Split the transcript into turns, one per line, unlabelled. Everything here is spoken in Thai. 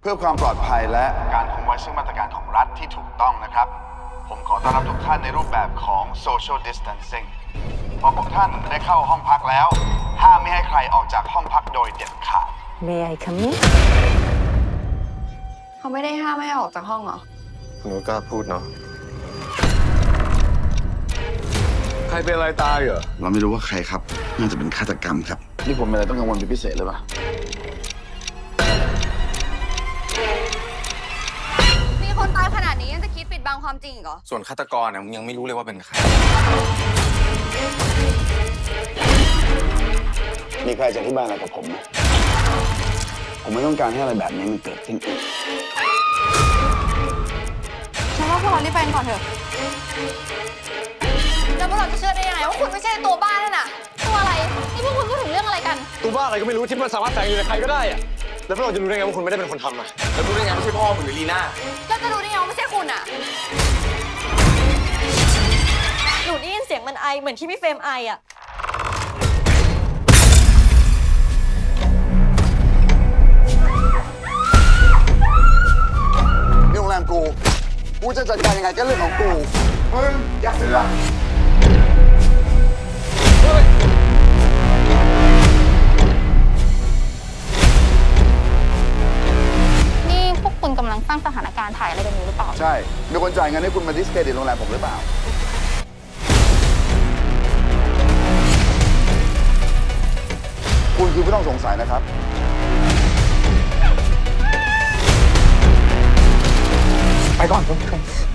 เพื่อความปลอดภัยและการคงไว้ซึ่งมาตรการของรัฐที่ถูกต้องนะครับผมขอต้อนรับทุกท่านในรูปแบบของ social distancing พอพวกท่านได้เข้าห้องพักแล้วห้ามไม่ให้ใครออกจากห้องพักโดยเด็ดขาด
May I come in?
เขาไม่ได้ห้ามไม่ให้ออกจากห้องเหรอ
คุณนุชกล้าพูดเนาะใครเป็นอะไรตายเหรอ
เราไม่รู้ว่าใครครับน่าจะเป็นฆาตกรรมครับนี่ผมเป็นอะไรต้องกังวลเป็นพิเศษเลยปะ
มีคนตายขนาดนี้ยังจะคิดปิดบังความจริงอีกเหรอ
ส่วนฆาตกรเนี่ยมึงยังไม่รู้เลยว่าเป็นใคร
มีใครจะอธิบายอะไรกับผมไหมผมไม่ต้องการให้อะไรแบบนี้มันเกิดขึ้นอีก
ฉันว่าพวกเรารีบไปกันก่อนเถอะ แล้วพวกเราจะเชื่อได้ยังไงว่าคุณไม่ใช่ตัวบ้านั่นน่ะ ตัวอะไร นี่พวกคุณพูดถึงเรื่องอะไรกัน
ตัวบ้าอะไรก็ไม่รู้ที่มันสามารถแฝงอยู่ในใครก็ได้อะแล้วพวกเราจะรู้ได้ไงว่าคุณไม่ได้เป็นคนทำอะแล้วรู้ได้ไงไม่ใช่พ่อมึงหรือลีน่า
เราจะรู้ได้ไงว่าไม่ใช่คุณอ่ะ
หนูได้ยินเสียงมันไอเหมือนที่พี่เฟรมไออะ
นี่โรงแรมกูจะจัดการยังไงก็เรื่องของกูมึงอย่าเสือก
นี่พวกคุณกำลังสร้างสถานการณ์ถ่ายอะไรกันอยู่หรือเปล่า
ใช่ มีคนจ่ายเงินให้คุณมาดิสเครดิตโรงแรมผมหรือเปล่า คุณคือผู้ต้องสงสัยนะครับ
ไปก่อนเพื่อน